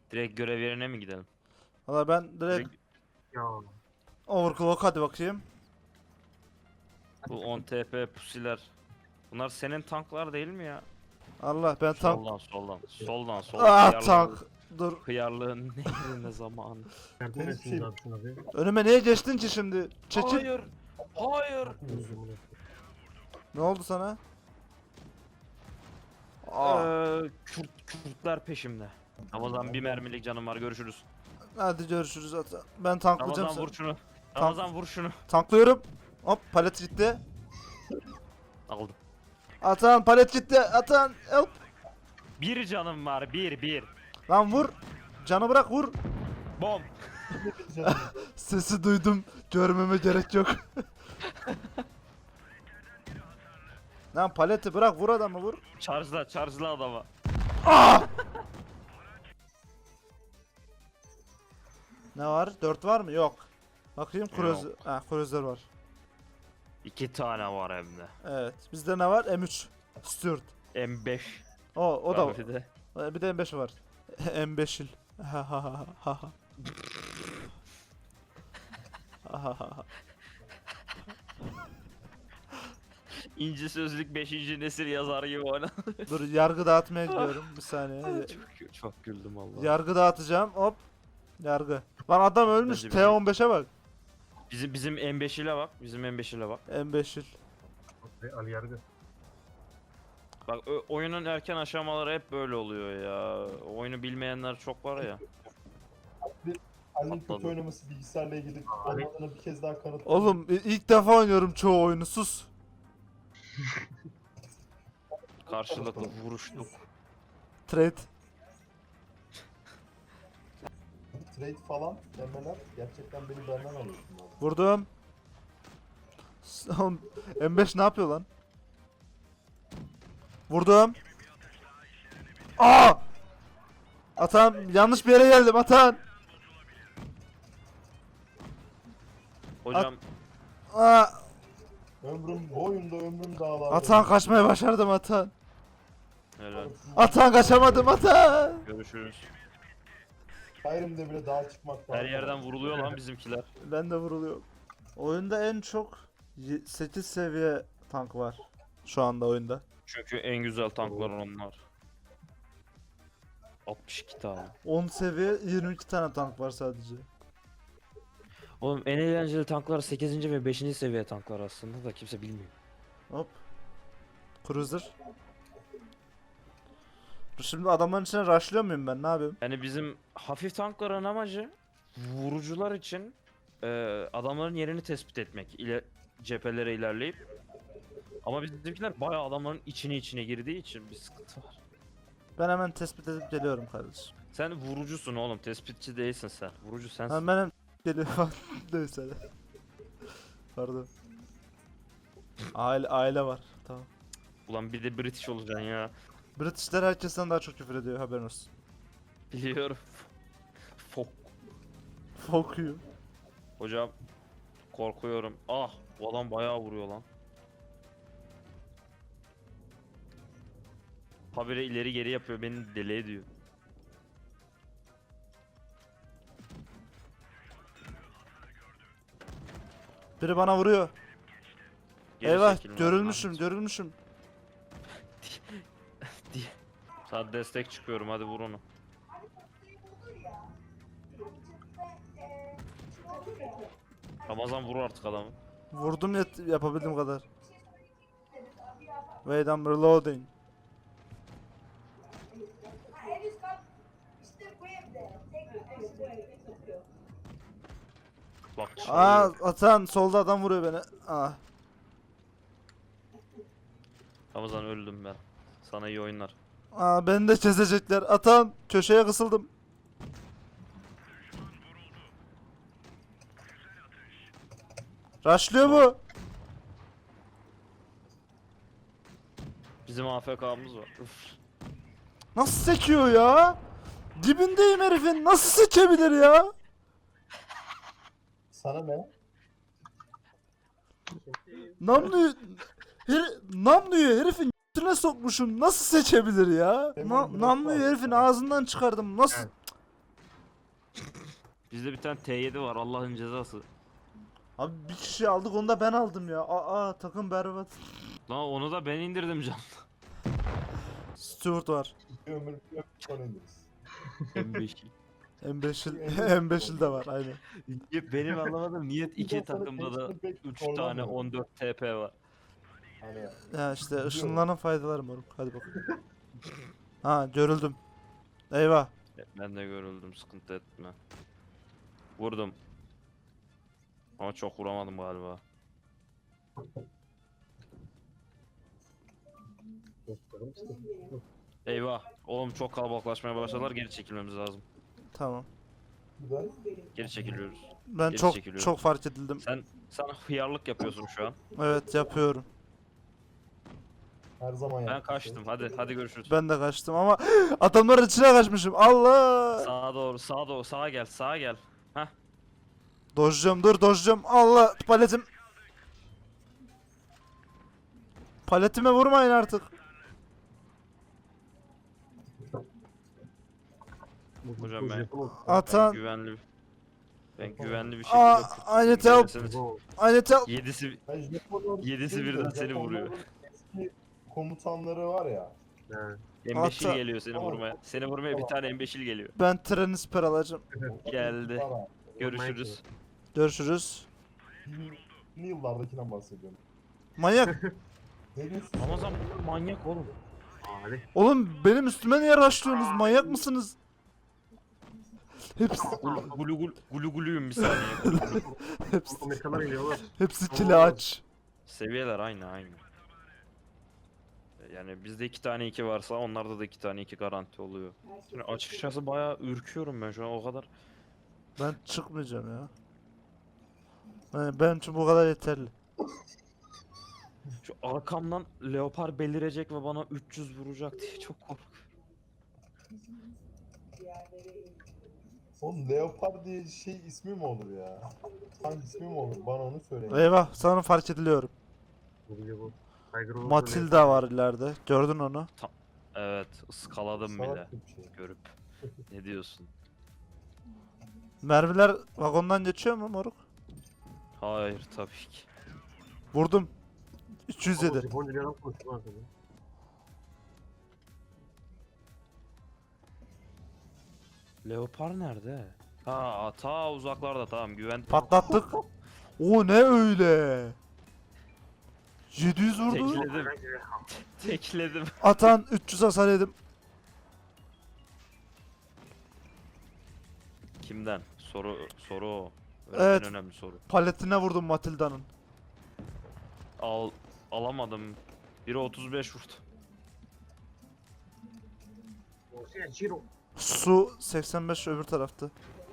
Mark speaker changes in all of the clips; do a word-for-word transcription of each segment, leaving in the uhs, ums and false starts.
Speaker 1: Direkt görev yerine mi gidelim?
Speaker 2: Valla ben direkt
Speaker 1: Direkt
Speaker 3: Ya.
Speaker 2: overclock hadi bakayım.
Speaker 1: bu on T P pusiler. Bunlar senin tanklar değil mi ya?
Speaker 2: Allah ben tank.
Speaker 1: Soldan soldan. Soldan soldan.
Speaker 2: Aa
Speaker 1: Hıyarlığın-
Speaker 2: tank. Dur.
Speaker 1: Hıyarlığın nehrine zamanı.
Speaker 3: Yardım
Speaker 4: Deniz
Speaker 3: etsiniz
Speaker 4: şey-
Speaker 3: abi şuna bir.
Speaker 2: Önüme niye geçtin ki şimdi? Çekil.
Speaker 1: Hayır. Hayır.
Speaker 3: Yüzümünü.
Speaker 2: Ne oldu sana? Aa.
Speaker 1: Ee, Kürt, Kürtler peşimde. Ramazan bir mermilik canım var, görüşürüz.
Speaker 2: Hadi görüşürüz zaten. Ben tanklayacağım
Speaker 1: Ramazan
Speaker 2: seni.
Speaker 1: vur şunu. Ramazan vur şunu.
Speaker 2: Tanklıyorum. Hop palet gitti.
Speaker 1: Aldım.
Speaker 2: Atan palet gitti. Atan help.
Speaker 1: Bir canım var, bir bir.
Speaker 2: Lan vur. Canı bırak vur.
Speaker 1: Bom.
Speaker 2: Sesi duydum. Görmeme gerek yok. Lan paleti bırak vur adamı vur.
Speaker 1: Charge'la, charge'la adama.
Speaker 2: Ne var? dört var mı? Yok. Bakayım cruiser.
Speaker 1: Yok.
Speaker 2: Ha cruiser var.
Speaker 1: İki tane var hem de.
Speaker 2: Evet. Bizde ne var? M üç. Stuart.
Speaker 1: M beş.
Speaker 2: O o da var.
Speaker 1: Bir de.
Speaker 2: Bir de M beş var. M beşil. Ha ha ha ha ha. Ha ha ha.
Speaker 1: İnci Sözlük beşinci nesil yazar gibi oyna.
Speaker 2: Dur yargı dağıtmaya gidiyorum. Bir saniye.
Speaker 1: çok, çok güldüm Allah.
Speaker 2: Yargı dağıtacağım. Hop. Yargı. Lan adam ölmüş.
Speaker 1: Bence
Speaker 2: T on beşe bak.
Speaker 1: Bizim bizim M beş ile bak. Bizim M beş ile bak.
Speaker 2: M beşil.
Speaker 3: Ali Yargı.
Speaker 1: Bak ö- oyunun erken aşamaları hep böyle oluyor ya. Oyunu bilmeyenler çok var ya.
Speaker 4: Ali'nin kötü
Speaker 1: Atladım.
Speaker 4: oynaması bilgisayarla ilgili
Speaker 3: Ali-
Speaker 4: olmadığını bir kez daha kanıtladı.
Speaker 2: Oğlum i- ilk defa oynuyorum çoğu oyunu. Sus.
Speaker 1: Karşılıklı vuruştuk.
Speaker 2: Trade.
Speaker 4: Trade falan demeler gerçekten beni benden alıyorsun abi.
Speaker 2: Vurdum. S- oğlum, M beş ne yapıyor lan? Vurdum. Aa! Atan yanlış bir yere geldim Atan.
Speaker 1: Hocam
Speaker 2: Aa!
Speaker 4: Ömrüm bu oyunda ömrüm dağlarda.
Speaker 2: Atan kaçmayı başardım Atan.
Speaker 1: helal.
Speaker 2: Atan kaçamadım Atan.
Speaker 1: Görüşürüz.
Speaker 4: Skyrim'de bile dağa çıkmak
Speaker 1: Her yerden vuruluyor lan bizimkiler.
Speaker 2: Ben de vuruluyorum. Oyunda en çok sekiz seviye tank var. Şu anda oyunda.
Speaker 1: Çünkü en güzel tanklar onlar. altmış iki tane.
Speaker 2: on seviye yirmi iki tane tank var sadece.
Speaker 1: Oğlum en eğlenceli tanklar sekizinci ve beşinci seviye tanklar aslında da kimse bilmiyor.
Speaker 2: Hop. Cruiser. Şimdi adamların içine rushlıyor muyum ben? Ne yapayım?
Speaker 1: Yani bizim hafif tankların amacı vurucular için e, adamların yerini tespit etmek. İle, cephelere ilerleyip. Ama bizimkiler bayağı adamların içine içine girdiği için bir sıkıntı var.
Speaker 2: Ben hemen tespit edip geliyorum kardeşim.
Speaker 1: Sen vurucusun oğlum, tespitçi değilsin sen. Vurucu sensin.
Speaker 2: Ben benim geliyorum. Neyse. Pardon. Aile aile var. Tamam.
Speaker 1: Ulan bir de British olacaksın ya.
Speaker 2: Britishler herkesten daha çok küfür ediyor haberin olsun.
Speaker 1: Biliyorum. Fok.
Speaker 2: Fuck you.
Speaker 1: Hocam korkuyorum. Ah, bu adam bayağı vuruyor lan. Habire ileri geri yapıyor, beni deli ediyor.
Speaker 2: Biri bana vuruyor.
Speaker 1: Geri
Speaker 2: Eyvah
Speaker 1: çekilin lan,
Speaker 2: görülmüşüm
Speaker 1: lanet.
Speaker 2: görülmüşüm.
Speaker 1: Sana destek çıkıyorum, hadi vur onu. Ramazan vur artık adamı.
Speaker 2: Vurdum yet yapabildiğim kadar. Wait I'm reloading.
Speaker 1: Bak
Speaker 2: Aa
Speaker 1: çalıyor.
Speaker 2: atan solda adam vuruyor beni. Ah.
Speaker 1: Ramazan öldüm ben. Sana iyi oyunlar.
Speaker 2: Aa beni de çözecekler. Atan köşeye kısıldım. Rushlıyor mu?
Speaker 1: Bizim A F K'mız var. Üf.
Speaker 2: Nasıl sekiyor ya? Dibindeyim herifin. Nasıl sekebilir ya?
Speaker 4: Sana ne?
Speaker 2: Namluyu her, namluyu herifin üstüne sokmuşum. Nasıl seçebilir ya? Na, namluyu herifin ağzından çıkardım. Nasıl?
Speaker 3: Evet.
Speaker 1: Bizde bir tane T yedi var Allah'ın cezası.
Speaker 2: Abi bir kişi aldık, onu da ben aldım ya. Aa, takım berbat.
Speaker 1: Lan onu da ben indirdim can.
Speaker 2: Stuart var.
Speaker 4: Bir ömür bir ömür sonra ineriz.
Speaker 1: M beş.
Speaker 2: M beşil
Speaker 4: M beşil
Speaker 2: M beşil de var aynen.
Speaker 1: Benim anlamadım niye iki
Speaker 4: Ondan sonra
Speaker 1: takımda da
Speaker 4: H'de pek
Speaker 1: üç
Speaker 4: zorlanmıyor.
Speaker 1: tane on dört T P var.
Speaker 4: Hani
Speaker 2: Ya işte ışınlanın faydaları moruk. Hadi bakalım. Ha, görüldüm. Eyvah.
Speaker 1: Ben de görüldüm sıkıntı etme. Vurdum. Ama çok vuramadım galiba.
Speaker 3: Dostlarım işte.
Speaker 1: Eyvah. Oğlum çok kalabalıklaşmaya başladılar geri çekilmemiz lazım.
Speaker 2: Tamam.
Speaker 4: güzel.
Speaker 1: Geri çekiliyoruz.
Speaker 2: Ben
Speaker 1: Geri
Speaker 2: çok
Speaker 1: çekiliyorum.
Speaker 2: çok fark edildim.
Speaker 1: Sen sen hıyarlık yapıyorsun şu an.
Speaker 2: Evet, yapıyorum.
Speaker 4: Her zaman
Speaker 1: Ben
Speaker 4: yaptığım
Speaker 1: kaçtım.
Speaker 4: şey.
Speaker 1: Hadi hadi görüşürüz.
Speaker 2: Ben de kaçtım ama adamların içine kaçmışım. Allah!
Speaker 1: Sağa doğru, sağa doğru, sağa gel, sağa gel. Hah.
Speaker 2: Dojluyorum, dur dojluyorum. Allah, paletim. Paletime vurmayın artık.
Speaker 3: Bu-
Speaker 1: Hocam
Speaker 3: bu
Speaker 1: ben-
Speaker 3: Japon oldu.
Speaker 1: Ben
Speaker 2: Atan.
Speaker 1: güvenli ben güvenli bir
Speaker 2: Aa,
Speaker 1: şekilde
Speaker 2: I need help.
Speaker 3: Bu-
Speaker 2: I need help.
Speaker 1: Yedisi
Speaker 4: Ben Japonların-
Speaker 1: Yedisi
Speaker 4: şey
Speaker 1: birden
Speaker 4: diyor,
Speaker 1: seni vuruyor.
Speaker 4: Japonların eski komutanları var ya.
Speaker 3: He.
Speaker 1: embeşil
Speaker 2: Ata-
Speaker 1: geliyor seni
Speaker 4: Tamam.
Speaker 1: vurmaya. Seni vurmaya bir tane embeşil geliyor.
Speaker 2: Ben treni siper alacağım.
Speaker 1: Geldi.
Speaker 4: Para.
Speaker 1: Görüşürüz.
Speaker 2: Görüşürüz.
Speaker 4: Yeni yıllardakinden bahsediyorum.
Speaker 2: Manyak.
Speaker 4: Ne diyorsun?
Speaker 1: Ramazan manyak oğlum.
Speaker 3: Ali.
Speaker 2: Oğlum benim üstüme niye rushlıyorsunuz? Manyak mısınız? Hepsi,
Speaker 1: Gulu gulu gulu gulu guluyum bir saniye.
Speaker 2: hepsi,
Speaker 3: Amerikalılar geliyor oğlum.
Speaker 2: hepsi kili aç.
Speaker 1: Seviyeler aynı aynı. Yani bizde iki tane iki varsa onlarda da iki tane iki garanti oluyor. Şimdi açıkçası bayağı ürküyorum ben şu an o kadar.
Speaker 2: Ben çıkmayacağım ya. Yani benim için bu kadar yeterli.
Speaker 1: Şu arkamdan leopar belirecek ve bana üç yüz vuracak diye çok korkuyorum.
Speaker 4: Oğlum Leopard diye şey ismi mi olur ya? Tank ismi mi olur? Bana onu söyleyin.
Speaker 2: Eyvah, sana fark ediliyorum.
Speaker 3: Bu biliyor bu. Tiger Woods'un
Speaker 2: Matilda var ileride. Gördün onu.
Speaker 1: Evet ıskaladım bile
Speaker 4: Salak bir şey.
Speaker 1: görüp. Ne diyorsun?
Speaker 2: Mermiler vagondan geçiyor mu moruk?
Speaker 1: Hayır tabii ki.
Speaker 2: Vurdum. üç yüz
Speaker 3: Oğlum,
Speaker 2: yedi.
Speaker 3: Japonca bir adam konuştu lan sana.
Speaker 1: Leopar nerede? Ha ta uzaklarda tamam güven.
Speaker 2: Patlattık. O ne öyle? yedi yüz vurdu.
Speaker 1: Tekledim. Tekledim.
Speaker 2: Atan üç yüz hasar yedim.
Speaker 1: Kimden? Soru soru o.
Speaker 2: Evet.
Speaker 1: En önemli soru.
Speaker 2: Paletine vurdum Matilda'nın.
Speaker 1: Al alamadım. Biri otuz beş vurdu.
Speaker 3: Osea Jiro.
Speaker 2: Su seksen beş öbür tarafta.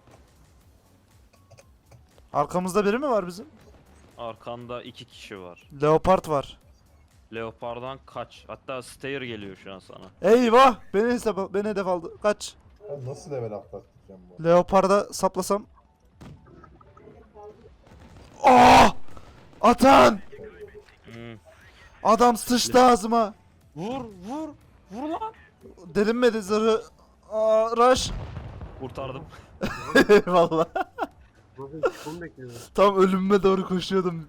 Speaker 2: Arkamızda biri mi var bizim?
Speaker 1: Arkanda iki kişi var.
Speaker 2: Leopard var.
Speaker 1: Leopard'dan kaç. Hatta Stair geliyor şu an sana.
Speaker 2: Eyvah! Beni hesap beni hedef aldı. Kaç.
Speaker 4: Ben nasıl level atlatacağım bu?
Speaker 2: Leopard'a saplasam. Oh! Atan!
Speaker 1: Hmm.
Speaker 2: Adam sıçtı ağzıma.
Speaker 1: Vur vur. Vur lan.
Speaker 2: Delinmedi zırhı. Aa, rush.
Speaker 1: Kurtardım.
Speaker 2: Eyvallah.
Speaker 3: Nasıl çıkımı bekliyor?
Speaker 2: Tam ölümüme doğru koşuyordum.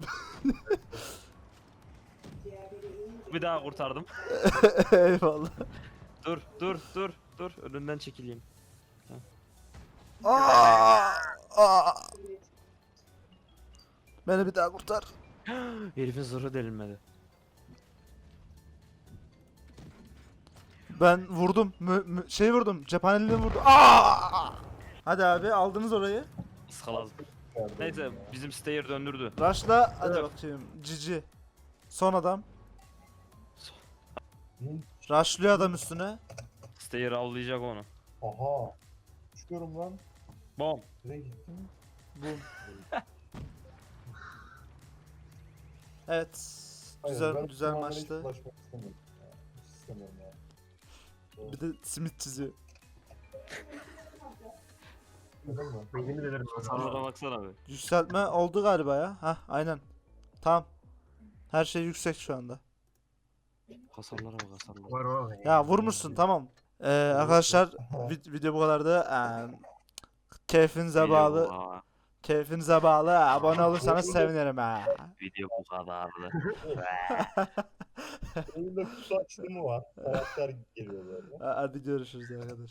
Speaker 1: Bir daha kurtardım.
Speaker 2: Eyvallah.
Speaker 1: Dur dur dur dur. Önünden çekileyim.
Speaker 2: Aa! Aa! Beni bir daha kurtar.
Speaker 1: Herifin zırhı delinmedi.
Speaker 2: Ben vurdum. Mü, mü- şey vurdum. Cephaneliğini vurdum. Aa! Hadi abi, aldınız orayı.
Speaker 1: Iskaladım.
Speaker 4: Nerede
Speaker 1: Neyse
Speaker 4: ya?
Speaker 1: bizim Stair döndürdü.
Speaker 2: Rush'la hadi
Speaker 3: Evet.
Speaker 2: bakayım. Cici. Son adam.
Speaker 4: Hı?
Speaker 2: Rush'lıyor adam üstüne.
Speaker 1: Stair avlayacak onu.
Speaker 4: Aha. Çıkıyorum lan.
Speaker 1: Bom.
Speaker 4: Nereye gittin?
Speaker 2: Bu. Evet.
Speaker 4: Hayır,
Speaker 2: Güzel
Speaker 4: ben
Speaker 2: güzel
Speaker 4: tamamen hiç
Speaker 2: maçtı.
Speaker 4: ulaşmak istemiyorum. Ya, hiç istemiyorum ya.
Speaker 2: Bir de simit çiziyor.
Speaker 4: Neden mi?
Speaker 3: Ben yemin ederim.
Speaker 1: Hasarlara baksana be.
Speaker 2: Yükseltme oldu galiba ya. Hah, aynen. Tamam. Her şey yüksek şu anda.
Speaker 1: Hasarlara bak hasarlara.
Speaker 3: Var var.
Speaker 2: Ya vurmuşsun, tamam. Ee, arkadaşlar vid- video bu kadardı. Ee, Keyfinize
Speaker 1: Video
Speaker 2: bağlı.
Speaker 1: bu kadar.
Speaker 2: Keyfinize bağlı. Abone olursanız sevinirim ha.
Speaker 1: Video bu kadardı.
Speaker 4: Oyunda kutu açılımı var. Karakter geliyor böyle.
Speaker 2: Hadi görüşürüz arkadaşlar.